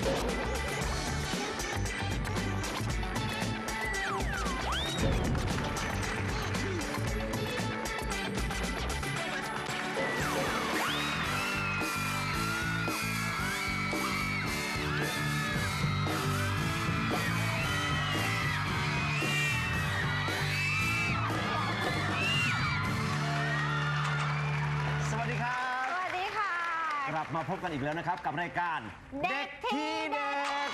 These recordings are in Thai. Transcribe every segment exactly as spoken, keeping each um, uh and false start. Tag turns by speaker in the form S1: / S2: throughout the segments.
S1: กลับมาพบกันอีกแล้วนะครับกับรายการเด็กที่เด็ด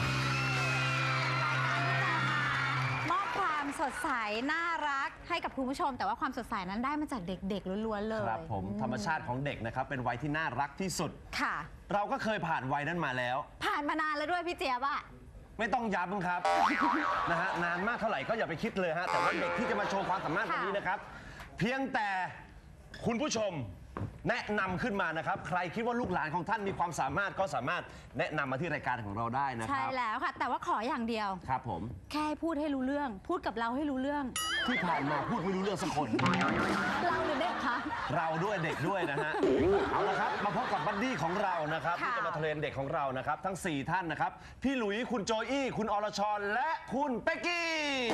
S2: มอบความสดใสน่ารักให้กับคุณผู้ชมแต่ว่าความสดใสนั้นได้มาจากเด็กๆล้วนๆเลย
S1: ครับผมธรรมชาติของเด็กนะครับเป็นวัยที่น่ารักที่สุด
S2: ค่ะ
S1: เราก็เคยผ่านวัยนั้นมาแล้ว
S2: ผ่านมานานแล้วด้วยพี่เจี๊ยบอะ
S1: ไม่ต้องย้ำครับ นะฮะนานมากเท่าไหร่ก็อย่าไปคิดเลยฮะแต่ว่าเด็กที่จะมาโชว์ความสามารถวันนี้นะครับเพียงแต่คุณผู้ชมแนะนำขึ้นมานะครับใครคิดว่าลูกหลานของท่านมีความสามารถก็สามารถแนะนำมาที่รายการของเราได้นะครับ
S2: ใช่แล้วค่ะแต่ว่าขออย่างเดียว
S1: ครับผม
S2: แค่พูดให้รู้เรื่องพูดกับเราให้รู้เรื่อง
S1: ที่ผ่านมาพูดไม่รู้เรื่องสักคน
S2: เราหรือเด็กคะ
S1: เราด้วยเด็กด้วยนะฮะเอาละครับมาพบกับบัดดี้ของเรานะครับที่จะมาเทรนเด็กของเรานะครับทั้งสี่ท่านนะครับพี่หลุยคุณโจอี้คุณอรชรและคุณเป๊กกี้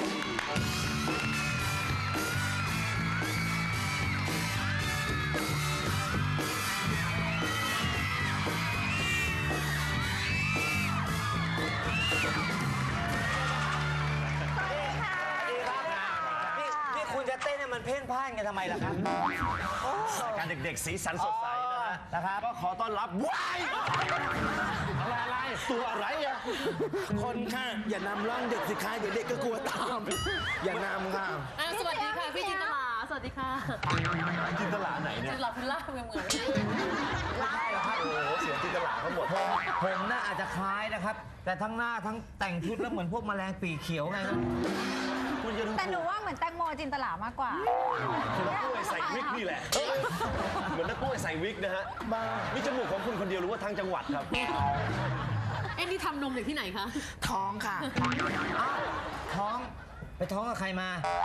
S3: มันเพ่นพ่านกันทำไมล่ะครับ
S1: การเด็กๆสีสันสดใสนะฮะนะครับก็ขอต้อนรับว้ายอะไรอะไรตัวอะไรอ่ะ
S4: คนค่ะอย่านำร่องเด็กสิคะเดี๋ยวเด็กก็กลัวตามอย่านำค่ะ
S5: สวัสดีค่ะพี่จินตลาสวัสดีค่ะ
S1: จินตลาไหนเนี่ย
S5: จินตลาพิล่าเหมือนเหมือน
S1: ไม่ใช่หรอครับโอ้โหเสียงจินตลาทั้งหมด
S3: ผมน่าอาจจะคล้ายนะครับแต่ทั้งหน้าทั้งแต่งชุดแล้วเหมือนพวกแมลงปีกเขียวไง
S2: แต่หนูว่าเหมือนแตงโมจินตลามากกว่า
S1: คือนักกล้วยใส่วิกนี่แหละเหมือนนักกล้วยใส่วิกนะฮะนี่จมูกของคุณคนเดียวหรือว่าทั้งจังหวัดครับ
S5: เอ็นนี่ทำนมจากที่ไหนคะ
S4: ท้องค่ะ
S3: ท้องไปท้องกับใครมา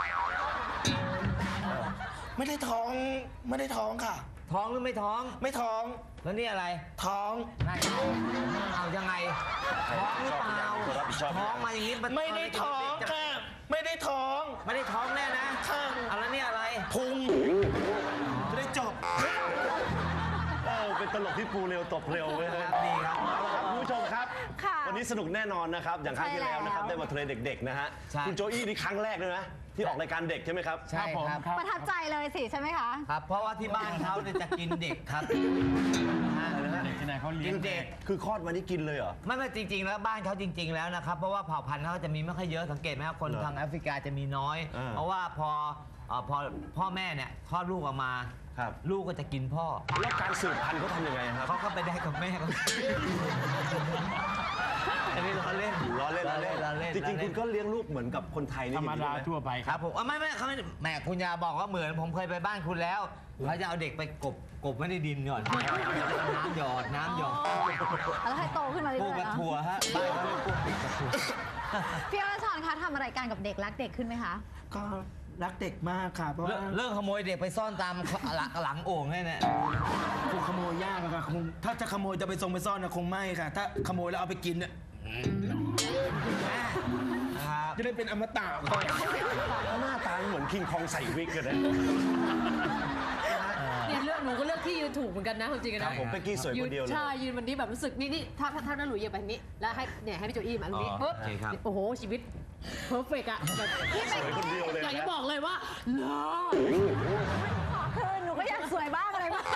S4: ไม่ได้ท้องไม่ได้ท้องค่ะ
S3: ท้องหรือไม่ท้อง
S4: ไม่ท้อง
S3: แล้วนี่อะไร
S4: ท้อง
S3: เอายังไงท้องหรือเปล่าท้องมาอย่างนี้
S4: ไม่ได้ท้องค่ะไม่ได้ท้อง
S3: ไม่ได้ท้องแน่นะ
S4: ค่ะ
S3: เอาแล้วนี่อะไร
S4: พุงจะได้จบ
S1: โอ้เป็นตลกที่ปูเร็วตบเร็วเลยครับ
S3: ดีครับ
S1: เอาละครับคุณผู้ชมครับวันนี้สนุกแน่นอนนะครับอย่างครั้งที่แล้วนะครับได้มาเทรนเด็กๆนะฮะคุณโจอี้นี่ครั้งแรกเลยนะที่ออกรายการเด็กใช่ไหมครับ
S3: ใช่ครับ
S2: ประทับใจเลยสิใช่ไหมคะ
S3: ครับเพราะว่าที่บ้านเขาจะกินเด็กครับ
S1: เด็กที่ไหนเขาเลี้ยงเด็กคือคลอดมานี่กินเลยเหรอ
S3: ไม่ไม่จริงๆแล้วบ้านเขาจริงๆแล้วนะครับเพราะว่าเผ่าพันธุ์เขาจะมีไม่ค่อยเยอะสังเกตไหมครับคนทางแอฟริกาจะมีน้อยเพราะว่าพอพอพ่อแม่เนี่ยคลอดลูกออกมาลูกก็จะกินพ่อ
S1: แล้วการสืบพันธุ์เขาทำยังไงครับ
S3: เขาก็ไปได้กับแม่เขาอันนี้ล้อเล่น
S1: ล้อเล่นล้อเล่นล้อเล่นจริงๆคุณก็เลี้ยงลูกเหมือนกับคนไทยนี่
S3: ธรรมดาทั่วไปครับผมไม่ไม่เขาไม่แม่คุณยาบอกว่าเหมือนผมเคยไปบ้านคุณแล้วเขาจะเอาเด็กไปกบกบไว้ในดินก่อนน้ำหยอดน้ำหยอด
S2: แล้วให้โตขึ้นมาเรื่อยๆ
S3: ปลูกกระถั่วฮะบ้านเขาเรียกปลูกกระถั่ว
S2: พี่อรชรคะทำอะไรกันกับเด็กรักเด็กขึ้นไหมคะ
S4: ก็รักเด็กมากค่ะเพราะว่า
S3: เรื่องขโมยเด็กไปซ่อนตามหลังโอ่งเนี่ย
S4: คงขโมยยากค่ะคงถ้าจะขโมยจะไปทรงไปซ่อนนะคงไม่ค่ะถ้าขโมยแล้วเอาไปกินเนี่ยจะได้เป็นอมตะ
S1: หน้าตาเหมือนคิงคองใส่วิกกันนะ
S5: เนี่ยเลือกหนูก็เลือกที่ยืนถูกเหมือนกันนะจริงๆนะ
S1: ผมเป๊กกี้สวยคนเดียวเลย
S5: ใช่ยืนวันนี้แบบรู้สึกนี่นี่ถ้าถ้าน้าหลุยยืนแบบนี้แล้วให้เนี่ยให้พี่โจอี้มาตรงนี้ปุ๊บโอ้โหชีวิตเพอร์เฟกต์อะแบบ
S1: สวยคนเดียวเลย
S5: อยากจะบอกเลยว่าเลิศ
S2: คือหนูก็อยากสวยบ้างอะไรบ้าง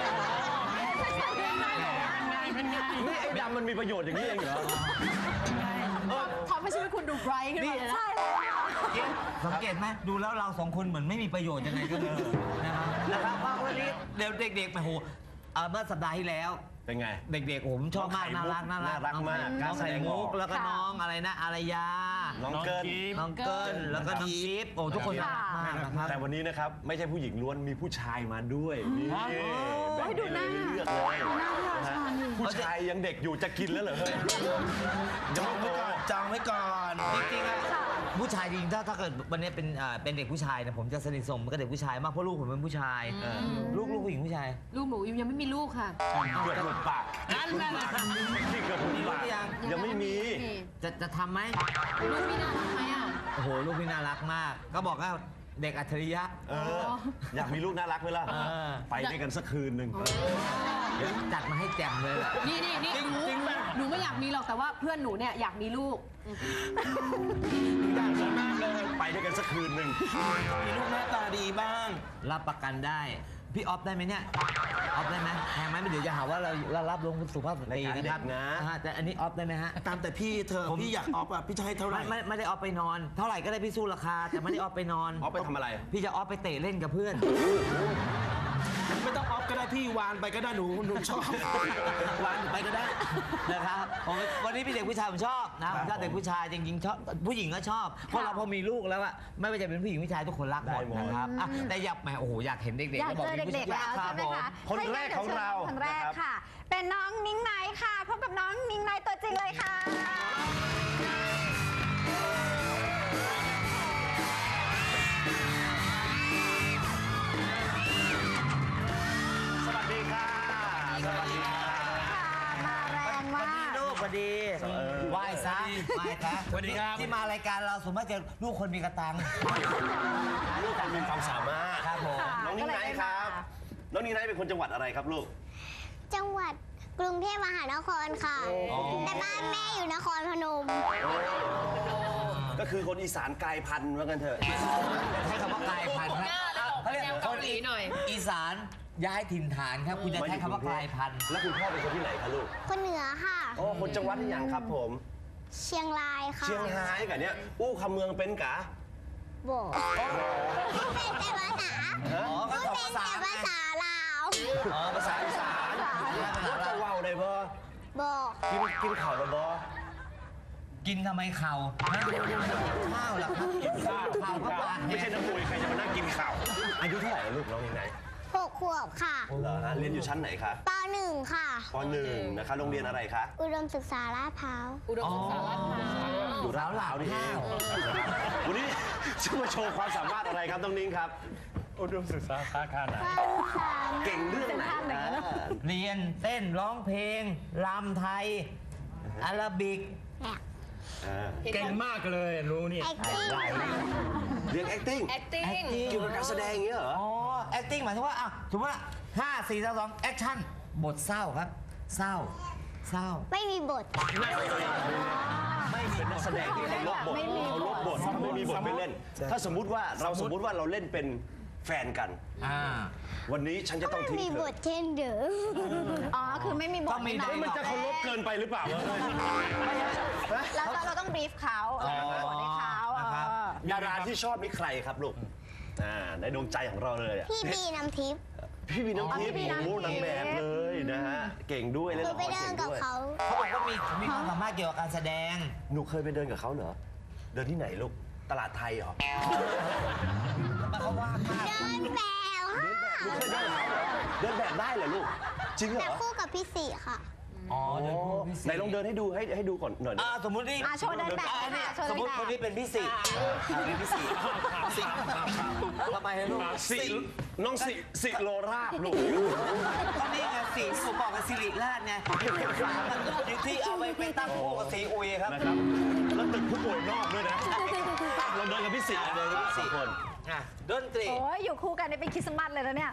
S1: นี่ไอ้ดำมันมีประโยชน์อย่างนี้เองเหรอ
S5: ทำให้ชีวิตคุณดูไบรท์ขึ้นมาเลยนะ
S2: ใช่เลย
S3: สังเกตไหมดูแล้วเราสองคนเหมือนไม่มีประโยชน์ยังไงก็เลยนะครับนะครับว่าวันนี้เดี๋ยวเด็กๆไปโหเมื่อสัปดาห์ที่แล้ว
S1: เป็นไง
S3: เด็กๆผมชอบมากน่ารักน่ารัก
S1: มาก
S3: น้องไข่มุกแล้วก็น้องอะไรนะอารยา
S1: น้องเกิน
S3: น้องเกินแล้วก็น้องจิ๊บโอ้ทุกคนน่ารักมากนะครับ
S1: แต่วันนี้นะครับไม่ใช่ผู้หญิงล้วนมีผู้ชายมาด้วยนี่แบ่ง
S2: ดูหน้า
S1: เลือกเลยผู้ชายยังเด็กอยู่จะกินแล้วเหรอเฮ้ย
S4: จองไว้ก่อนจองไว้ก่อน
S3: จริงๆอะผู้ชายจริงๆถ้าถ้าเกิดวันนี้เป็นอ่าเป็นเด็กผู้ชายเนี่ยผมจะสนิทสนมกับเด็กผู้ชายมากเพราะลูกผมเป็นผู้ชายลูกลูกผู้หญิงผู้ชาย
S5: ลูกหนูยังไม่มีลูกค่ะ
S1: เกือบหลุดปากนั่นแหละที่เกือบหลุดปากยังไม่มี
S3: จะจะทำไหม
S5: ลูกพี่น่ารักไหมอ่ะ
S3: โอ้โหลูกพี่น่ารักมาก ก็บอกว่าเด็กอัจฉริยะ
S1: เอออยากมีลูกน่ารักไหมล่ะ
S3: เออ
S1: ไปด้วยกันสักคืนหนึ่ง
S3: เดี๋ยวจัดมาให้แจ่มเลย
S5: นี่นี่นี่หนูหนูไม่อยากมีหรอกแต่ว่าเพื่อนหนูเนี่ยอยากมีลูก
S1: อยากมีมากเลยไปด้วยกันสักคืนหนึ่ง
S4: มีลูกหน้าตาดีบ้าง
S3: รับประกันได้ พี่ออฟได้ไหมเนี่ยออฟได้ไหมแพงไหมเดี๋ยวจะหาว่าเราเรารับลงสุภาพสตรีนะครับนะฮะแต่อันนี้ออฟได้ไหมฮะ
S4: ตามแต่พี่เธอ พี่อยากออฟอ่ะพี่จะให้เท่าไหร่
S3: ไม่ไม่ไม่ได้ออฟไปนอน เท่าไหร่ก็ได้พี่สู้ราคา แต่ไม่ได้ออฟไปนอน
S1: ออฟไปทำอะไร
S3: พี่จะออฟไปเตะเล่นกับเพื่อน
S4: ไม่ต้องออฟก็ได้พี่วานไปก็ได้หนูหนูชอบ
S3: วางไปก็ได้นะครับผมวันนี้พี่เด็กผู้ชายผมชอบนะผมชอบเด็กผู้ชายจริงๆชอบผู้หญิงก็ชอบเพราะเราพอมีลูกแล้วอะไม่ว่าจะเป็นผู้หญิงผู้ชายทุกคนรักหมดนะครับอ่ะแต่อยากแหมโอ้โหอยากเห็นเด็กๆ
S2: อยากเจอเด็กๆแล้วใช่ไหมคะ
S1: คนแรกของเรา
S2: คนแรกค่ะ เป็นน้องนิ้งไนท์ค่ะพบกับน้องนิ้งไนท์ตัวจริงเลยค่ะ
S1: สวัสดีค่ะ สวัสดีค่ะ
S2: มาแรงมาก
S3: ลูกสวัสดีไหว้ซะไหว้ซะ
S4: สวัสดีครับ
S3: ที่มารายการเราสมมติจะลูกคนมีกระตัง
S1: ลูกคุณมีความสามารถ
S3: ครับผม
S1: น้องนิ้งไนท์ครับ น้องนิ้งไนท์เป็นคนจังหวัดอะไรครับลูก
S6: จังหวัดกรุงเทพมหานครค่ะ แต่บ้านแม่อยู่นครพนม
S1: ก็คือคนอีสานกลายพันธุ์ว่ากันเถอะ
S3: ใช้คำว่ากลายพันธุ์ครับเขาเรียก
S5: แนวเกาหลีหน่อย
S3: อีสานย้ายถิ่นฐานครับคุณจะใช้คำว่ากลายพันธุ์
S1: แล้วคุณพ่อเป็นคนที่ไหนคะลูก
S6: คนเหนือค่ะ
S1: อ๋อคนจังหวัดที่อย่างครับผม
S6: เชียงรายค่ะ
S1: เชียงรายกับเนี้ยอู้คำเมืองเป็นกะ
S6: โบกพูดเป็นแต่ภาษา
S3: อ๋อก็
S6: พูด
S3: สอง
S6: เป็น
S3: ภาษา
S6: แต่ภาษาลาว
S3: อ๋อภาษาอีสาน
S6: ภาษา
S1: ว่าจะว่าวได้บ่
S6: บอก
S1: กินกินข่าวได้บ่
S3: กินทำไมเข่าข้าวเหรอครับกินข้าวข้าวก็ปลา
S1: ไม่ใช่น้ำมวยใครจะมานั่งกินข่าวอายุเท่าไหร่ลูกน้องนิ้งไนท์
S6: หกขวบค่ะ
S1: เหรอฮะเรียนอยู่ชั้นไหนคะ
S6: ปหนึ่งค่ะ
S1: ปหนึ่งนะคะโรงเรียนอะไรคะ
S6: อุดมศึกษาลาดพร้าว
S5: อุดมศึกษาลาดพร้าว
S1: อยู่ร้าวหลาวนี่เองวันนี้จะมาโชว์ความสามารถอะไรครับน้องนิ้งครับ
S6: ความสามารถ
S1: เก่งเรื่องไหนนะ
S3: เรียนเต้นร้องเพลงรำไทยอาราบิก
S1: อ่า
S4: เก่งมากเลยรู้นี่
S6: acting ค่ะ
S1: เรียน acting
S5: acting
S1: เกี่ยวกับการแสดงอย่างเงี้ยเหรอ
S3: อ๋อ acting หมายถึงว่าอ่ะสมมติว่าห้าสี่สามสองแอคชั่นบทเศร้าครับ เศร้า เศร้า
S6: ไม่มีบท
S1: ไม่มีนักแสดงที่เขาลบบท
S2: ไม่มี
S1: เขาลบบทเขาไม่มีบทไม่เล่น ถ้าสมมุติว่าเราสมมุติว่าเราเล่นเป็นแฟนกัน
S3: อ่า
S1: วันนี้ฉันจะต้องทิ้ง
S6: มี
S1: เธ
S6: บ
S1: อ
S6: ทเช่นเดิม
S2: อ๋อ คือไม่มีบ
S3: ต้
S2: ท
S3: องมี
S2: ให้น้
S1: เฮ้ยมันจะเคารพเกินไปหรือเปล่าวะ
S2: แล้วเราเราต้องบรีฟเขาเราต้องบทให้เขา
S3: นะครับ
S2: เออ
S1: ดาราที่ชอบนี่ใครครับลูกอ่าในดวงใจของเราเลยอะ
S6: พี่บีน้ำทิพย์
S1: พี่บีน้ำทิพย์โอ้โหนางแบบเลยนะฮะเก่งด้วย
S6: ห
S1: เล่น
S6: นู
S1: ละค
S6: ไป
S1: ร
S6: เดิ
S1: เก่
S6: น
S1: ง
S6: กับ
S1: ด้วย
S6: เขา
S3: เขาบอกว่ามีมีความสามารถเกี่ยวกับการแสดง
S1: หนูเคยไปเดินกับเขาเหรอเดินที่ไหนลูกตลาดไทยเหรอ
S3: เขาว่างมาก
S6: เดินแบบ
S1: หนูเคยเดินกับเขาเหรอเดินแบบได้เหรอลูกจริงเหร
S6: แต่
S1: อ
S6: คู่กับพี่สีค่ะ
S3: อ๋อเดินคู่พี่สิ
S1: ไหนลองเดินให้ดูให้ให้ดูก่อนหน่อยนะ
S3: อ่าสมมตินี่
S2: อ่ะโชว์เดินแบบ
S3: อ่านี่
S2: ค่ะโชว์
S3: ส
S2: เดิ
S3: ม
S2: น
S3: มติ
S2: แบบ
S3: คนนี้เป็นพี่สิเป็นพี่สิสิทำไมให้ลูก
S1: สิน้องสิสิโลราบลูก
S3: ก็นี่ไงสีที่ผมบอกกับสิริราชไงที่เอาไปเป็นตั้งคู่กับสีอุยครับ
S1: นะครับแล้วตึกผู้ป่วยนอกด้วยนะเราเดินกับพี่สิเดินกับพี่สิคน
S3: อ่ะดนตรี
S2: โอ้ยอยู่คู่กันเนี่ยเป็นคริสต์มาสเลยนะเนี่ย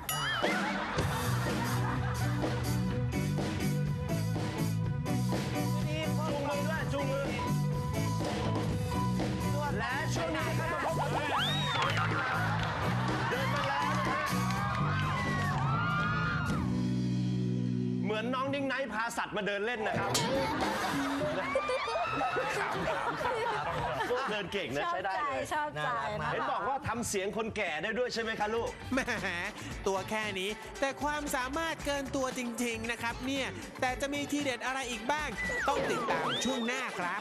S1: จูงมือด้วยจูงมือและช่วงนี้นะครับมาพบกับเดินมาแล้วนะฮะเหมือนน้องนิ้งไนท์พาสัตว์มาเดินเล่นนะครับขำขำขำเดินเก่งนะ
S2: ชอบ
S1: ใช้ได้
S2: ใจ
S1: เลย
S2: ชอบใจนะ
S1: เห็นบอกว่าทำเสียงคนแก่ได้ด้วยใช่ไหมคะลูก
S7: แหมตัวแค่นี้ แต่ความสามารถเกินตัวจริง ๆ นะครับเนี่ย แต่จะมีทีเด็ดอะไรอีกบ้าง ต้องติดตามช่วงหน้าครับ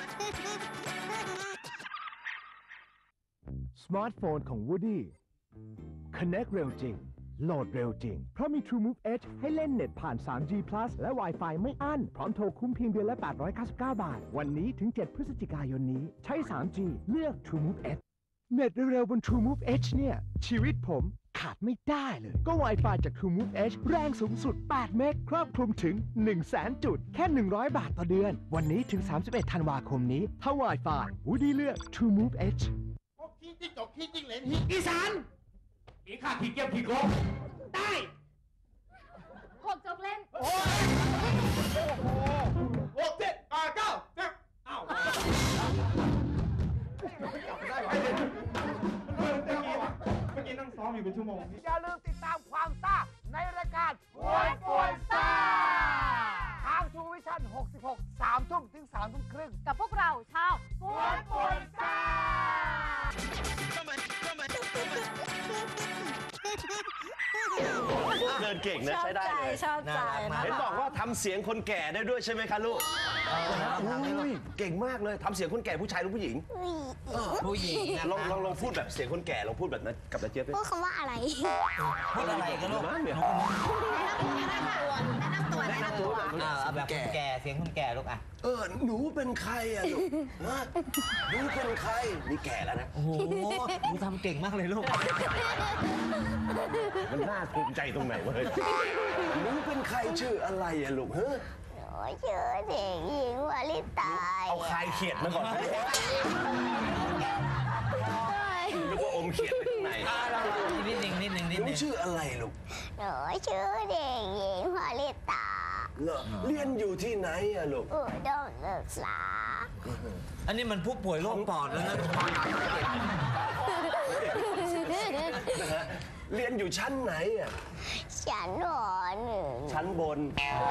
S8: สมาร์ทโฟนของ Woody Connect เร็วจริงโหลดเร็วจริง เพราะมี TrueMove Edge ให้เล่นเน็ตผ่าน ทรี จี Plus และ Wi-Fi ไม่อั้น พร้อมโทรคุ้มเพียงเดือนละ แปดร้อยเก้าสิบเก้า บาท วันนี้ถึง เจ็ด พฤศจิกายนนี้ ใช้ ทรี จี เลือก TrueMove Edge เน็ตเร็วๆบน TrueMove Edge เนี่ย ชีวิตผมขาดไม่ได้เลย ก็ Wi-Fi จาก TrueMove Edge แรงสูงสุด แปด เมกครอบคลุมถึง หนึ่งแสน จุด แค่ หนึ่งร้อย บาทต่อเดือน วันนี้ถึง สามสิบเอ็ด ธันวาคมนี้ ถ้า Wi-Fi วูดี้เลือก TrueMove Edge
S9: ขี้จิ้งจกขี้จิ้งเหลนขี้อีสานอีข้าขี้เกียจขี้โกงได้
S2: หกจบเล่น
S9: โอ้โหหกเจ็ดแปดเก้าสิบอ้าวจับได้ไหมเมื่อกี้เมื่อกี้นั่งซ้อมอยู่เป็นชั่วโมงอย่าลืมติดตามความซ่าในรายการหวยป่วยซ่าทางทูวิชั่นหกสิบหก สามทุ่มถึงสามทุ่มครึ่ง
S2: กับพวกเราชาว
S9: หวยป่วยซ่า
S1: เดินเก่งนะ
S2: ชอบ
S1: ใช้ได้
S2: ใจ
S1: เลย
S2: ชอบใจ
S1: เห็นบอกว่าทำเสียงคนแก่ได้ด้วยใช่ไหมคะลูกอุ้ยเก่งมากเลยทำเสียงคนแก่ผู้ชายหรือผู้หญิง
S3: ผู้หญิงนะ
S1: ลองลองลองพูดแบบเสียงคนแก่ลองพูดแบบนั้นกับนาเจี๊ยบดิ
S6: พูดคำว่าอะไร
S3: พูดอะไรกันลูก
S1: นะเนี่ย
S2: แนะนำตัวแนะนำตัวแนะนำตัว
S3: อ่าเอาแบบคนแก่เสียงคนแก่ลูกอ่ะ
S1: เออหนูเป็นใครอะลูกฮะหนูเป็นใครนี่แก่แล้วนะ
S3: โอ้โหหนูทำเก่งมากเลยลูก
S1: มันน่าภูมิใจตรงไหนวะเฮ้ยหนูเป็นใครชื่ออะไรอะลูกเฮ้ย
S6: หนูชื่อเด็กหญิงวลิตา
S1: เอาคายเขียดมาก่อนนึกว่าอมเขียดไปข้างใน
S3: นิดหนึ่งนิดหนึ่งนิด
S1: หนู
S3: หนึ่ง
S1: ชื่ออะไรลูก
S6: หนูชื่อเด็กหญิงวลิตา
S1: เหรอเรียนอยู่ที่ไหนอะลูก
S6: อุดมศึกษา
S3: อันนี้มันผู้ป่วยโรคปอดแล้วนะ
S1: นะฮะเรียนอยู่ชั้นไหนอะ
S6: ฉันหอหนึ่ง
S1: ชั้นบน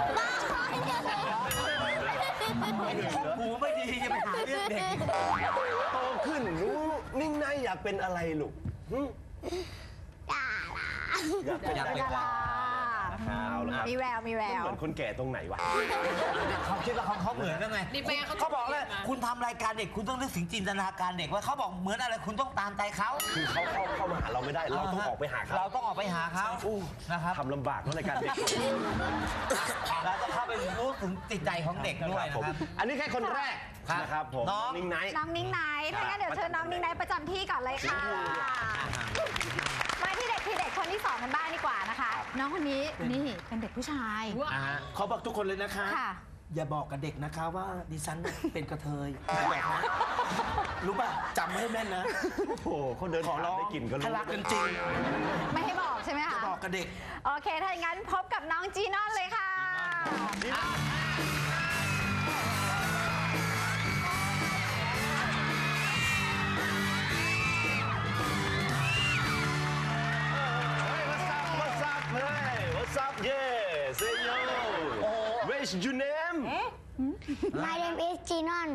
S3: หูไม่ดีจะไปหาเรื่องเด็ก
S1: โตขึ้นหนูนิ่งนายอยากเป็นอะไรลูกหึ
S6: ดารา
S1: อยากเป็น
S3: อยากเป็น
S2: ดารา
S1: เอาละครับ
S2: มีแววมีแว
S1: มัน
S2: ว
S1: เหมือนคนแก่ตรงไหนวะ
S3: เขาคิดว่าเขาเขาเหมือนกันไง
S5: นี่แม่เขา
S3: เขาบอกเลยคุณทำรายการเด็กคุณต้องนึกถึงจินตนาการเด็กว่าเขาบอกเหมือนอะไรคุณต้องตามใจเขา
S1: คือเขาเข้าเข้ามาหาเราไม่ได้ เราต้องออกไปหาเขา
S3: เราต้องออกไปหาเขานะครับ
S1: ทำลำบากเพราะรายการเด็ก
S3: เราจะเข้าไปรู้ถึงจิตใจของเด็กด้วยนะครับ
S1: อันนี้แค่คนแรก
S3: ครับ
S1: นะครับผม
S3: น้อง
S1: นิ่งไนท์
S2: น้องนิ้งไนท์ถ้างั้นเดี๋ยวเชิญน้องนิ้งไนท์ประจำที่ก่อนเลยค่ะ มาที่เด็กที่เด็กคนที่สองกันบ้างดีกว่านะคะ น้องคนนี้นี่เป็นเด็กผู้ชาย
S4: อ่าฮะเขาบอกทุกคนเลยนะคะ
S2: ค่ะ
S4: อย่าบอกกับเด็กนะคะว่าดิฉันเป็นกระเทยอย่าบอกนะรู้ป่ะจำให้แม่นนะ
S1: โอ้โหเขาเดิน
S4: ขอร้อง
S1: ได้กลิ่นก็รู้
S4: ถ้ารักกันจริง
S2: ไม่ให้บอกใช่ไหม
S4: จะ
S2: คะ
S4: บอกกับเด็ก
S2: โอเค ถ้าอย่างนั้นพบกับน้องจีนอนเลยค่ะ
S1: What's up What's up Hey What's up Yeah Say yo What's your name
S6: My name is Jinon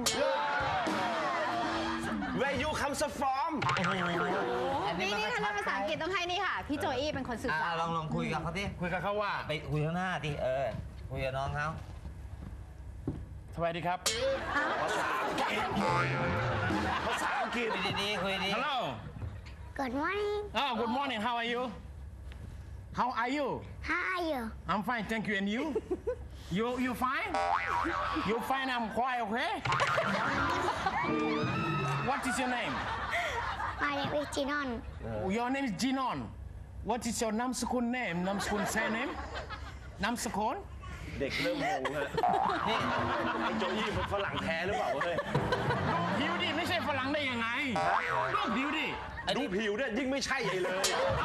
S1: Where you come from
S2: นี่นี่ถ้าเรียนภาษาอังกฤษต้องให้นี่ค่ะ พี่โจอี้เป็นคนสื่อสาร
S3: ลองลองคุยกับเขาดิ
S4: คุยกับเขาว่า
S3: ไปคุยข้างหน้าดิเออคุยกับน้องเขา
S4: สวัสดีครับ
S1: ภาษาอังกฤษ
S3: คุยดีๆคุยดี
S4: Hello
S6: Good morning
S4: Oh good morning how are you How are you
S6: How are you
S4: I'm fine thank you and you You you fine You fine I'm quite okay What is your name
S6: My name is Jinon
S4: Your name is Jinon What is your นามสกุล name นามสกุล surname นามสกุล
S1: เด็กเริ่มงงฮะไอ้โจอี้มันฝรั่งแท้หรือเปล่าเว้ย
S4: ผิวดิไม่ใช่ฝรั่งได้ยังไงรูปผิวดิ
S1: ดูผิวเนี่ยยิ่งไม่ใช่ใหญ่เลย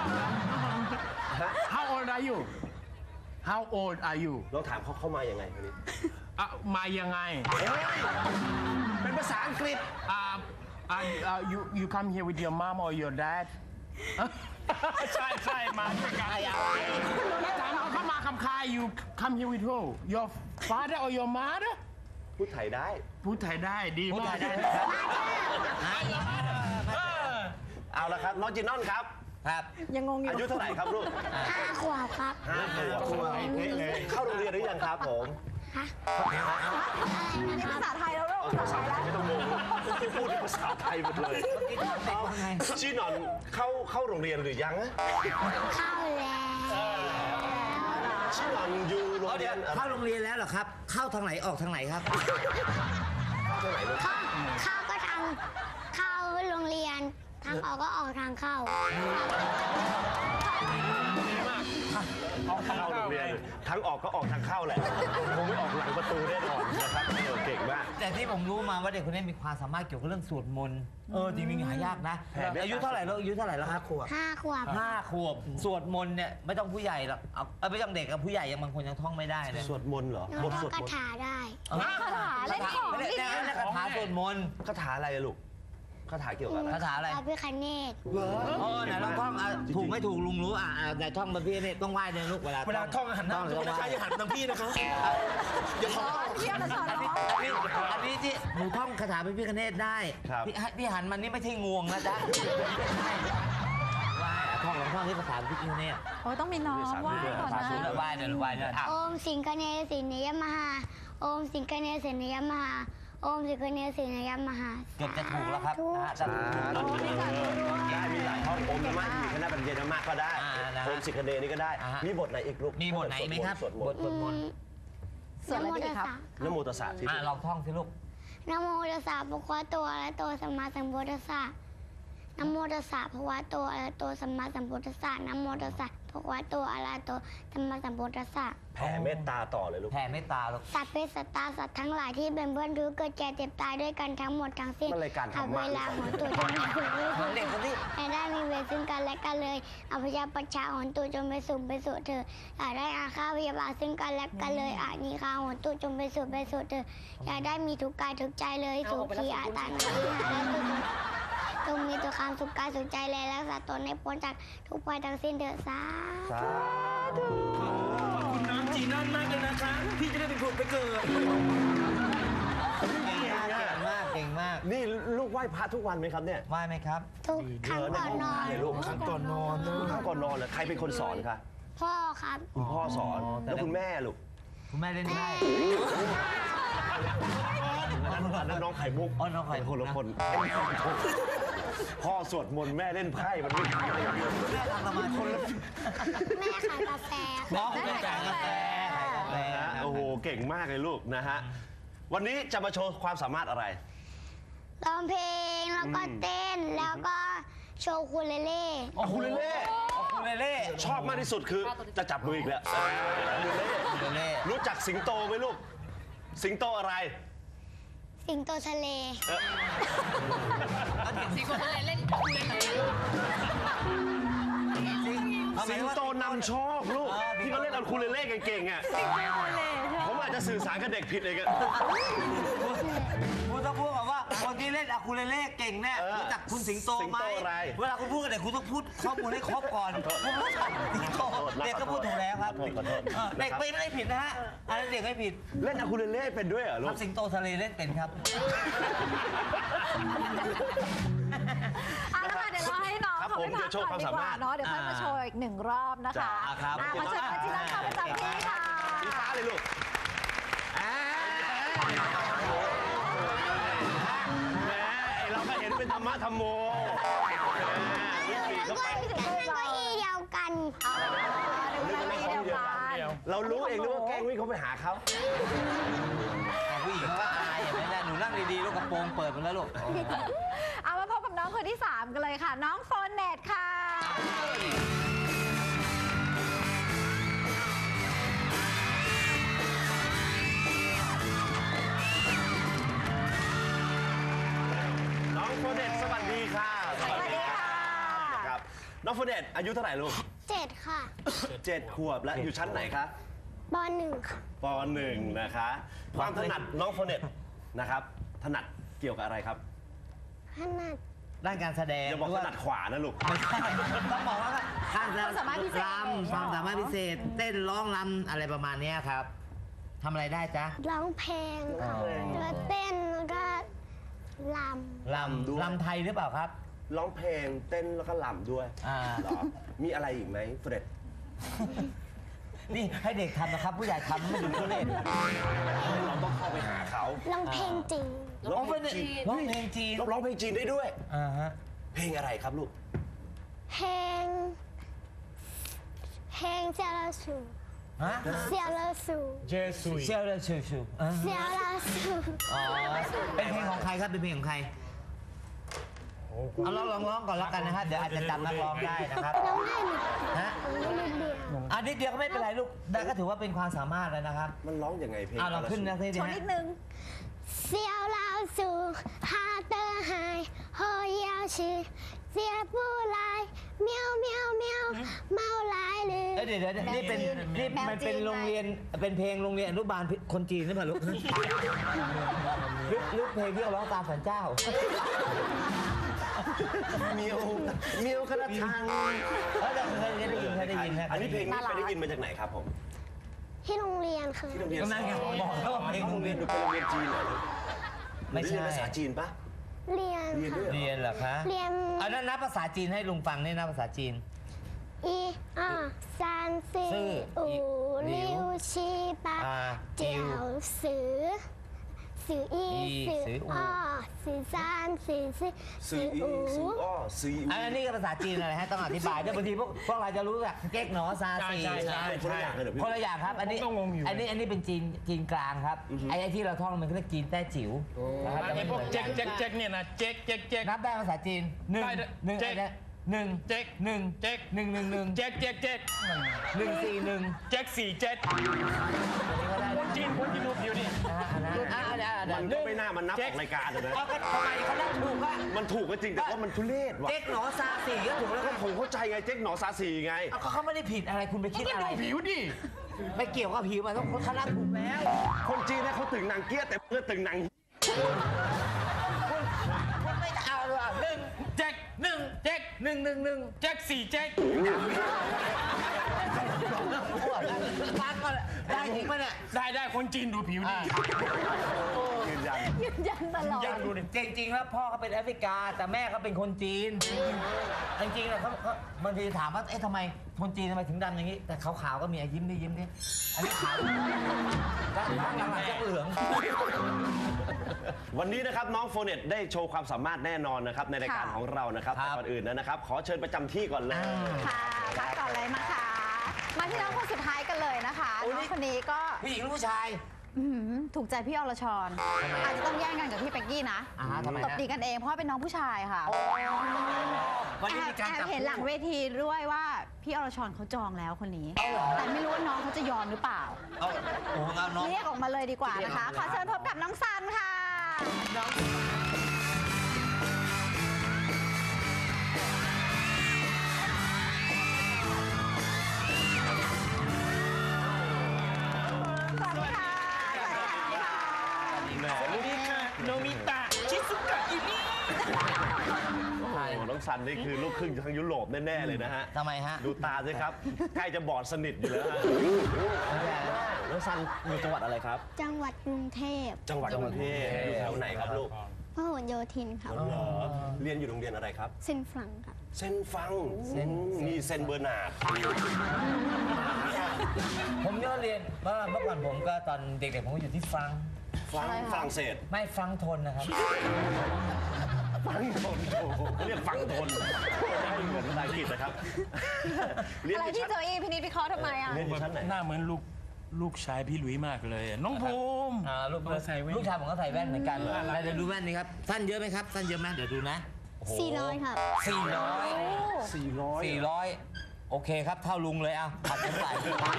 S4: How old are you How old are you
S1: เราถามเขาเข้ามายังไงคนนี้
S4: อ่ะมายังไง
S1: เป็นภาษาอังกฤษ
S4: Uh, uh, uh, you you come here with your mom or your dad ใช่ใช่มาด้วยกันแล้วถามเขาเข้ามาคำคาย you come here with who your father or your mother
S1: พูดไทยได้
S4: พูดไทยได้ดี
S3: พูด
S4: มา
S3: ไท
S4: ก
S3: ยได้ไหมครับ
S1: เอาละครับน้องจินนอนครับ
S3: ครับ
S2: ยังงงอยู่
S1: อายุเท่าไหร่ครับลูก
S6: ห้าขวบครับ
S1: ห้าขวบเข้าโรงเรียนหรือยังครับผม
S2: นี่ภาษาไทยแล้วลูกภาษาไทยแล้ว
S1: ไม่ต้องงงพูดภาษาไทยหมดเลยจีนอนเข้าเข้าโรงเรียนหรือยังอะ
S6: เข้าแล้ว
S1: ช่วงอยู่โรง
S3: เดี๋
S1: เรี
S3: ย
S1: ยน
S3: เข้าโรงเรียนแล้วเหรอครับ เข้าทางไหนออกทางไหนครับ
S6: เข้าเข้าก็ทางเข้าโรงเรียน ทางออกก็ออกทางเข้า
S1: เข้าโรงเรียนทั้งออกก็ออกทางเข้าแหละคงไม่ออกหลังประตูแน่นอนนะครับเออเก่งมาก
S3: แต่ที่ผมรู้มาว่าเด็กคนนี้มีความสามารถเกี่ยวกับเรื่องสวดมนต์เออจริงๆหายากนะ
S1: แผ่เมตตา
S3: อายุเท่าไหร่แล้วอายุเท่าไหร่แล้วครับขวบ
S6: ห้าขวบ
S3: ห้าขวบสวดมนต์เนี่ยไม่ต้องผู้ใหญ่หรอกเอาเอาไม่ต้องเด็กกับผู้ใหญ่ยังบางคนยังท่องไม่ได้เลย
S1: สวดมนต์เหรอ
S6: น้อง
S1: บท
S6: ก็
S1: สวด
S6: กระ
S1: มนต์
S6: ถาได้
S2: คาถาเล่นของ
S3: ไม่ได้
S2: อีก
S3: ไม่ได้คาถาสวดมนต์
S1: คาถาอะไรอะลูกคาถาเกี่ยวกับอะไร
S3: คาถาอะไร
S6: พระพิฆเนศ
S3: โอ้ไหนลองท่องอ่ะถูกไม่ถูกลุงรู้อ่ะอ่ะไหนท่องมาพี่นี่ต้องไหว้เนี่ยลูกเวลา
S4: เวลาท่องหันหน้า
S3: ต้อง
S4: นะคะ
S3: ไหว้
S4: อย่าหันทางพี่นะคะ
S2: สอนเที่ยวนะสอน
S3: อันนี้อันนี้อันนี้ที่หนูท่องคาถาพระพิฆเนศได้พี่พี่หันมันนี่ไม่ใช่งวงนะจ๊ะไหว้อ่ะท่องลองท่องที่คาถาพระพิฆเนศ
S2: โอ้ต้องมีน้องไหว้ก่อน
S3: สาธุ
S2: นะ
S3: ไหว้เนี่ยไหว้เนี่ยอ่ะ
S6: โอมสิงคเนสินยมหา โอมสิงคเนสินยมหา โอมสิงคเนสินยมหา
S3: เกือบจะถูกแล้วครับนะฮะจะ
S1: โอ้มีหลายได้มีหลายท่องโอมนามะมีคณะปัญญามะก็ได้
S3: อ่านะฮะ
S1: โอมสิกเนนี่ก็ได้
S3: อ่าฮะ
S1: มีบทไหนอีกลูก
S3: มีบทไหนไหมครับ
S1: สวดม
S3: บ
S1: น
S3: ท
S1: ต์
S3: สวดมนต์
S2: สวดอะไรดีครับ
S1: นะโมตัสสะที่
S3: อ่ะลองท่องสิลูก
S6: นะโมตัสสะภะคะวะโตอะระหะโตสัมมาสัมพุทธัสสะนะโมตัสสะภะคะวะโตอะระหะโตสัมมาสัมพุทธัสสะนะโมตัสสะภะคะวะโตอะระหะโตสัมมาสัมพุทธัสสะ
S1: แผ่เมตตาต่อเลยลูก
S3: แผ่เมตตาลูก
S6: สัตว์เป็นสัตว์ตาสัตว์ทั้งหลายที่เป็นเพื่อนทุกข์เกิดแก่เจ็บตายด้วยกันทั้งหมดทั้งสิ้น
S1: มันรายการธร
S6: หาร ก
S1: มะ
S6: เวลาของตัวจงไปสู่
S3: เหมือนเด็กคนที่
S6: แต่ได้มีเวรซึ่งกันและกันเลยอภิชาประชาหนตุจงไปสู่ไปสู่เธออย่าได้อาฆาตพยาบาทซึ่งกันและกันเลยอานิคาหนตุจงไปสู่ไปสู่เธออย่าได้มีทุกข์กายทุกข์ใจเลยสุขีอาตานาวิหารตุจงมีตัวความสุขกายสุขใจเลยรักษาตนให้พ้นจากทุกภัยทั้งสิ้นเถิดสาธุ
S4: คุณน้ำจีน่านมากเลยนะคะ พี่จะได้เป็นคนไปเกิด
S3: เก่งมากเก่งมากเก่งมาก
S1: นี่ลูกไหว้พระทุกวันไหมครับเนี่ย
S3: ไหว้ไหมครับ
S6: ทุกครั้งก่อนนอน
S1: เลยลูกครั้งก่อนนอนครั้งก่อนนอนเลยใครเป็นคนสอนคะ
S6: พ่อครับ
S1: คุณพ่อสอนแล้วคุณแม่ลูก
S3: คุณแม่เล่นไพ่
S1: อันนั้นน้องไข่มุก
S3: อ๋อน้องไข่มุก
S1: คนละ
S3: นะ
S1: คนพ่อสวดมนต์แม่เล่นไพ่มันไม่
S3: แม่ทำสมาธิ
S6: แม่ขายกาแฟ
S3: น้องแม่ขายกาแฟขายกาแฟ
S1: นะฮะโอ้โหเก่งมากเลยลูกนะฮะวันนี้จะมาโชว์ความสามารถอะไร
S6: ร้องเพลงแล้วก็เต้นแล้วก็โชว์คูเลเล่
S1: อ๋อคูเลเล่
S3: คุณเล่เล่
S1: ชอบมากที่สุดคือจะจับมืออีกแล้วคูเลเล่
S3: คุณเล่
S1: รู้จักสิงโตไหมลูก สิงโตอะไร
S6: สิงโตทะเล
S5: สิงโตทะเลเล่นคูเลเล่
S1: สิงโตนำโชคลูกที่เขาเล่นเอาคูเลเล่เก่งๆอ่ะผมอาจจะสื่อสารกับเด็กผิดเลยกัน
S3: คุณต้องพูดแบบว่าคนที่เล่นอะคูเลเล่เก่งแน่รู้จักคุณสิงโตไหมเวลาคุณพูดกับเด็กคุณต้องพูดข้อมูลให้ครบก่อนคุณรู้จักสิงโตเด็กก็พูดถูกแล้วครับเด็กไม่ได้ผิดนะฮะอันนั้นเด็กไม่ผิด
S1: เล่นอะคูเลเล่เป็นด้วยเหรอลู
S3: ครั
S1: ก
S3: บสิงโตทะเลเล่นเป็นครับ
S2: เอาละค่ะเดี๋ยวเราให้น้อง
S1: ครับ
S2: เขา
S1: ผม
S2: ไปพัก
S1: เดี๋ยวโชว์
S2: ก่อน
S1: ความ
S2: ดี
S1: สาก
S2: ว่า
S1: มารถ
S2: เนาะเดี๋ยวค่อยมาโชว์อีกหนึ่งรอบนะคะ
S1: จ้าครับ
S2: อ่ะขอเชิญอาจินักเข้าประจำที่ค่ะ
S1: สีฟ้าเลยลูกแหมไอ้เราก็เห็นเป็นธรรมะธรรมโมวิ่งปีกเข้าไป
S6: เป็นเก้าอี้เดียวกัน
S2: เดี๋ยวเราเดียวกัน
S1: เรารู้เองด้วยว่าแกล้งวิ่งเข้าไปหาเขา
S3: ผู้หญิงเขาก็อายเห็นไหมล่ะหนูนั่งดีๆลูกกระโปรงเปิดหมดแล้วลูก
S2: เอามาพบกับน้องคนที่สามกันเลยค่ะ น้องโฟนเน็ตค่ะ
S1: น้องโฟเดตสวัสดีค่ะสวัสดีค่ะครับน้องโฟเดตอายุเท่าไหร่ลูก
S6: เจ็ดค่ะ
S1: เจ็ดขวบแล้วอยู่ชั้นไหนคะ
S6: ปหนึ่งค่ะ
S1: ปหนึ่งนะคะ ความถนัดน้องโฟเดตนะครับถนัดเกี่ยวกับอะไรครับ
S6: ขนาด
S3: ด้านการแสดง
S1: อย่าบอกถนัดขวานะลูก
S3: ไม่ใช่ต้องบอกว่าการ
S2: ความสามารถพิเศษ
S3: รำความสามารถพิเศษ เต้นร้องรำอะไรประมาณเนี้ยครับทำอะไรได้จ๊ะ
S6: ร้องเพลงค่ะแล้วเต้นแล้วก็ล
S3: รำรำไทยหรือเปล่าครับ
S1: ร้องเพลงเต้นแล้วก็ลำด้วย
S3: อ่า
S1: เหรอมีอะไรอีกไหมโฟเดต
S3: นี่ให้เด็กทำนะครับ ผู้ใหญ่ทำไม่ดูทุเรศ
S1: เราต้องเข้าไปหาเขา
S6: ำร้องเพลงจริง
S1: ร้องเพลงจีน
S3: ร้องเพลงจีน
S1: ร้องเพลงจีนได้ด้วย
S3: อ่าฮะ
S1: เพลงอะไรครับลูก
S6: เพลง เพเพลงเซียราสู
S3: ฮะ
S6: เซียราสู
S4: เจสุย
S3: เชียวเลยชูชูอ่ะ
S6: เซียราสู
S3: อ๋อเป็นเพลงของใครครับเป็นเพลงของใครเอาลองลองร้องก่อนแล้วกันนะฮะเดี๋ยวอาจจะจำนักร้องได้นะครับ
S6: ร้องได้หมด
S3: ฮะ
S6: นิดเดียว
S3: อันนิดเดียวก็ไม่เป็นไรลูกได้ก็ถือว่าเป็นความสามารถแล้วนะครับ
S1: มันร้องยังไงเพลง
S3: เอาเราขึ้นนะที
S2: โช
S3: เดียว
S2: ว์นิ
S3: ฮะ
S2: ดนึง
S6: เซียวลาวสูฮาเตอร์ไฮโฮยาวชื่อเสียผู้ลายเมียวเมียวเมียวเมาลายเลย
S3: เอ้ยเดี๋ยวเดี๋ยวนี่เป็นนี่มันเป็นโรงเรียนเป็นเพลงโรงเรียนอนุบาลคนจีนหรือเปล่าลูกหรือหรือเพลงที่เราร้องตามสันเจ้า
S1: เมียวเมียวคณะทาง
S3: เออเคยได้ยินเคยได้ยินนะ
S1: อันนี้เพลงนี้ไปได้ยินมาจากไหนครับผม
S6: ที่โรงเรียนคือ
S1: ที่โรงเรียน
S3: ก็นั่นไงบอกแล้วว่าเพลง
S1: โร
S3: โรง ง
S1: เรี
S3: เรี
S1: ย
S3: ย
S1: น
S3: น
S1: ดูเป็นโรงเรียนจีนเหรอ
S3: ไม่ใช่
S1: เรียนภาษาจีนปะ
S6: เรียนค่ะ
S3: เรียนเหรอคะ
S6: เรียน
S3: เอานั้นนับภาษาจีนให้ลุงฟังนี่นับภาษาจีน
S6: อีอ่าซานซี
S3: ซื่อ
S6: อู
S3: หลิ
S6: ลิ
S3: ว
S6: วชีปา
S3: อ่า
S6: เจียวสือสืออี
S3: อี
S6: สือ
S3: สืออู
S6: อ้อสือซานสือซี
S1: ซีอีซีอ้อซีอี
S3: อันนี้ก็ภาษาจีนอะไรฮะต้องอธิบายด้วยบางทีพวกพวกเราจะรู้แบบเก๊กหนอซาซี
S4: ใช่ใช่
S1: คนละอย่างเลยเหรอพี่
S3: คนละอย่างครับอันนี้
S4: ผมก็งงอยู่
S3: อันนี้อันนี้เป็นจีนจีนกลางครับไอ้ไอ้ที่เราท่องมันก็เรียกจีนแต้จิ๋วนะครับ
S4: ไอ้พวกเจ๊กเจ๊กเจ๊กเนี่ยนะเจ๊กเจ๊กเจ๊ก
S3: นับได้ภาษาจีนหนึ่ง
S4: ได้ด้วย
S3: หนึ่ง
S4: เจ๊ก
S3: อะไรนะหนึ่ง
S4: เจ๊ก
S3: หนึ่ง
S4: เจ๊ก
S3: หนึ่งหนึ่งหนึ่ง
S4: เจ๊กเจ๊กเจ๊ก
S3: หนึ่งสี่หนึ่ง
S4: เจ๊กสี่เจ๊ก
S3: อันนี้ก็ได้
S4: คนจีนคนที่ดูผิวนี่
S3: นะฮะอันนั้นอ่ะอันนั้นอัน
S1: มั
S3: นั้น น
S1: ก็ไม่น่ามันนับ
S4: เจ๊
S1: อก อกรายการอะนะ
S3: เอาก็ทำไมเขาได้ถูกว่า
S1: มันถูกก็จริงแต่ว่ามันทุเรศว่ะ
S3: เจ๊กหนอซาซีก็ถูก
S1: แล้
S3: แล้ว ว
S1: ก็
S3: ก็
S1: ผมเข้าใจไงเจ๊กหนอซาซีไง
S3: เอาก็เขาไม่ได้ผิดอะไรคุณไปคิด
S4: ก็
S3: อะไร
S4: ดูผิวดิ
S3: ไม่เกี่ยวกับผิวมันต้องเขานับถูกแล้ว
S1: คนจีนเนี่ยเขาตึงหนังเกี้ยแต่เพื่อตึงหนัง
S3: คุณไม่เอาเลยอ่ะหนึ่ง
S4: เจ๊ก
S3: หนึ่ง
S4: เจ๊ก
S3: หนึ่งหนึ่งหนึ่ง
S4: เจ๊กสี่เจ๊ก
S3: ฟังก่อนได้จริงปะเนี่ย
S4: ได้ได้คนจีนดูผิวดิ
S1: ยืนยัน
S2: ยืนยันตลอด
S3: ยังดูดิจริงๆแล้วพ่อเขาเป็นแอฟริกา แต่แม่เขาเป็นคนจีน จริงๆแล้วเขาเขาบางทีถามว่าเอ๊ะทำไมคนจีนทำไมถึงดำอย่างนี้ แต่ขาวๆก็มีอ่ะยิ้มดิยิ้มดิอันนี้ขาวแล้วหลังๆจะเหลือง
S1: วันนี้นะครับน้องโฟเน็ตได้โชว์ความสามารถแน่นอนนะครับในรายการ
S2: ค่ะ
S1: ของเรานะครับ
S3: ครั
S1: แต่
S3: บ
S1: ก่อนอื่นนะครับ ขอเชิญประจำที่ก่อนเลย
S2: ค่ะพักก่อนเลยมาค่ะ มาที่น้องคนสุดท้ายกันเลยนะคะ
S3: โอ้ย
S2: น้องคนนี้ก็
S3: ผู้หญิงหรือผู้ชาย
S2: อื้อหือถูกใจพี่อรชรอาจจะต้องแย่งกันกับพี่เป็กกี้นะ
S3: อ่าทำไม
S2: ตบ
S3: ฮะ
S2: ตีกันเองเพราะว่าเป็นน้องผู้ชายค่ะ
S3: วัน
S2: แอ
S3: นี้
S2: บ
S3: มีการ
S2: แอบ
S3: จับ
S2: เห็นหลังเวทีด้วยว่าพี่อรชรเขาจองแล้วคนนี้
S3: เอาเหรอ
S2: แต่ไม่รู้ว่าน้องเขาจะยอมหรือเปล่า
S3: เอาโอ้โหเอาน้อง
S2: เรียกออกมาเลยดีกว่านะคะ ขอเชิญพบกับน้องซันค่ะ
S3: น้อง
S2: สวัสดีค่ะ สวัสดีค่ะ
S4: โนมิตะชิซุกะอิมิ
S1: โอ้โหน้องซันนี่คือลูกครึ่งทางยุโรปแน่ๆเลยนะฮะ
S3: ทำไมฮะ
S1: ดูตาสิครับ ใกล้จะบอดสนิทอยู่แล้วฮะน้องซันอยู่จังหวัดอะไรครับ
S6: จังหวัดกรุงเทพ
S1: จังหวัดกรุงเทพอยู่แถวไหนครับลูก
S6: พหลโยธินครับ
S1: เหรอเรียนอยู่โรงเรียนอะไรครับ
S6: เซนฟรังครับ
S1: เซนฟังมีเซนเบอร์นาร์ด
S3: ผมก็เรียนเมื่อเมื่อก่อนผมก็ตอนเด็กๆผมก็อยู่ที่ฟรังก์
S1: ฟังฝรั่งเศส
S3: ไม่ฟรังก์ทนนะครับ
S1: ฟังทนโอ้โหเรียกฟังทนไม่เหมือนภาษาอังกฤษนะครับเรียน
S2: อะไร
S1: อยู่
S2: ที่
S1: ชั้น
S2: โจอี้พินิจพิเคราะห์ทำไมอ่ะ
S1: เรียนอยู่ชั้นไหน
S4: หน้าเหมือนลูกลูกชายพี่หลุยมากเลยอะน้องภูมิ
S3: อ่าลูก
S4: เขาใส่แว่น
S3: ลูกชายผมก็ใส่แว่นเหมือนกันแล้วเดี๋ยวดูแว่นนี้ครับสั้นเยอะไหมครับสั้นเยอะไหมเดี๋ยวดูนะโโห
S6: สี่ร้อยครับ
S3: สี่ร้อย
S1: สี่ร้อย
S3: สี่ร้อยโอเคครับเท่าลุงเลยอ่ะผัดกันใส่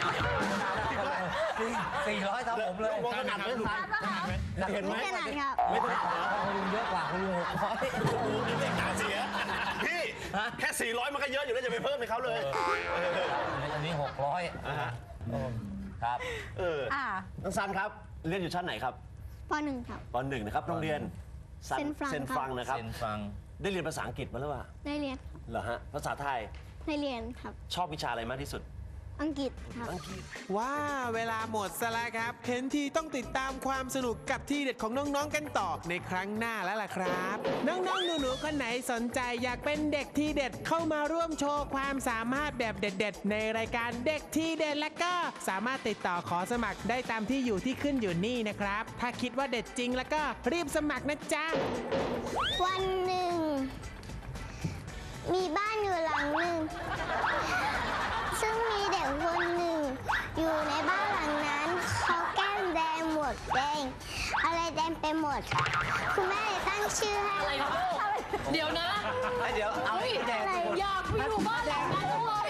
S3: สี่ร้อยเท่าผมเลย
S1: มองขนาดไม่ทันเห็นไหม
S6: ไม่ขนาดครับ
S3: ไม่ต้องหาคุณลุงเยอะกว่าคุณลุงหกร้อย
S1: เด็กตาเสียพี่แค่สี่ร้อยมันก็เยอะอยู่แล้วจะไปเพิ่มให้เขาเลย
S3: อันนี้หกร้อย
S1: อ่าฮะ
S3: ครับ
S1: เออ
S2: อ่า
S1: น้องซันครับ เรียนอยู่ชั้นไหนครับ
S6: ปหนึ่งครับ
S1: ปหนึ่งนะครับโรงเรียนซัน
S6: เซนฟรัง
S1: เซนฟรังนะครับ
S3: เซนฟัง
S1: ได้เรียนภาษาอังกฤษมาหรือเปล่า
S6: ได้เรียน
S1: เหรอฮะภาษาไทย
S6: ได้เรียนครับ
S1: ชอบวิชาอะไรมากที่สุด
S6: อังกฤษครับ
S1: อังกฤษ
S7: ว้าเวลาหมดซะแล้วครับ เห็นทีต้องติดตามความสนุกกับที่เด็ดของน้องๆกันต่อในครั้งหน้าแล้วล่ะครับ น้องๆหนูๆคนไหนสนใจอยากเป็นเด็กที่เด็ดเข้ามาร่วมโชว์ความสามารถแบบเด็ดๆ ในรายการเด็กที่เด็ดและก็สามารถติดต่อขอสมัครได้ตามที่อยู่ที่ขึ้นอยู่นี่นะครับ ถ้าคิดว่าเด็ดจริงแล้วก็รีบสมัครนะจ๊ะ
S6: วันหนึ่ง มีบ้านอยู่หลังหนึ่ง ซึ่งมีเด็กคนหนึ่ง อยู่ในบ้านหลังนั้นเขาแก้มแดงหมวกแดงอะไรแดงไปหมด คุณแม่เลยตั้งชื่อให้
S5: อะไรครับลูกเดี๋ยวนะ
S3: เดี๋ยวเอาไอ้แดง
S5: อยากไปอยู่บ้านหลังนั้นจังเลย